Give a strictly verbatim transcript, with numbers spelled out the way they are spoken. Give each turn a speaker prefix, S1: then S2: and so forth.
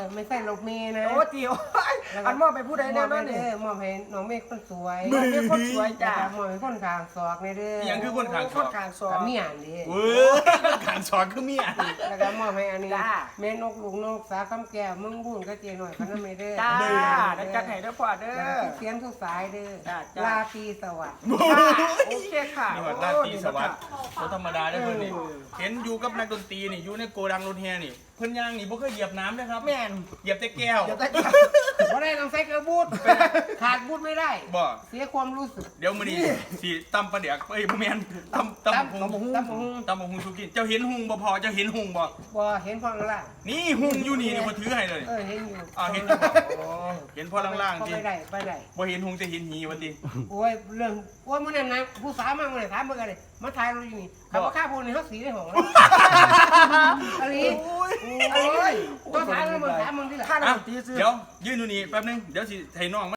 S1: ไม่ใช่รถเมย์นะ
S2: โอ้เจียวอันมอบไปผู้ใดแน่นอนนี่
S1: มอบให้น้องเมฆคนสวย
S2: มอบให้คนสวยจ้ะ
S1: มอบให้คนขางศอกในเด้อ
S3: อย่างคือคนขางศ
S2: ค
S3: อน ก
S2: กลางซอ
S1: กับ
S2: ง
S1: เมียนดิ
S3: เว้ยคนขางศอกคือเมีย
S1: แล้วก็มอบให้อันนี้
S2: จ้า
S1: แม่นกลุงนกสาคำแก้วมึงบุญก็เจหน่อยพนันไม่เด้อ
S2: จ้า
S1: เด้อ
S2: ได้จัดให้เด้อพ่อเด้
S1: แล้ว
S2: อ
S1: ก็ทุกเสียงทุกสายเด้อ
S2: จ้าจ้า
S1: ลาตรีสวัสดิ์
S2: โอเคค่ะ
S3: นี่ว่าราตรีสวัสดิ์บ่ธรรมดาได้อเพิ่นนี่เห็นอยู่กับนักดนตรีนี่อยู่ในโกดังรถแฮนี่เพิ่นย่างนี่บ่เคยเหยียบน้ำนะครับ
S2: แม่น
S3: เหยียบแต่แก้ว
S2: เดี๋ยวได้
S1: เพราะได้ต้องใส่กระบูดขาดบูดไม่ได้
S3: บ่
S1: เสียความรู้สึก
S3: เดี๋ยวมื้อนี้สิตำปลาเดือกเอ้ยบ่แม่นตำตำหุง
S1: ตำบักหุ่ง
S3: ตำบักหุงสุกินเจ้าเห็นหุงบ่พอเจ้าเห็นหุงบ่
S1: บ่เห็นพ่อล่าง
S3: นี่หุงอยู่นี่เดี๋ยวบ่ถือให้เลย
S1: เออเห็นอยู่
S3: อ่าเห็นอยู่บ่อ๋อเห็นพอล่างๆ
S1: ก็
S3: สิ
S1: ไปได้ไปได้
S3: บ่เห็นหุงแต่เห็นหีว่าติ
S1: โอ้ยเรื่องว่ามื้อนั้นนะผู้สาวมาเมื่อไหร่ถามเบิ่งกันเลยมาถ่ายเราอยู่นี่เขาว่าค่าพูนนี่เขาสีได้หงอะไร
S3: โอ้ย
S1: โอ้ยต้องถามเราเบิ่งถามมึงที่ไหน
S2: ค่า
S3: อ่ะ
S2: ดนตรีซื้อ
S3: เดี๋ยวยืนอยู่นี่แป๊บนึงเดี๋ยวสิให้น้อง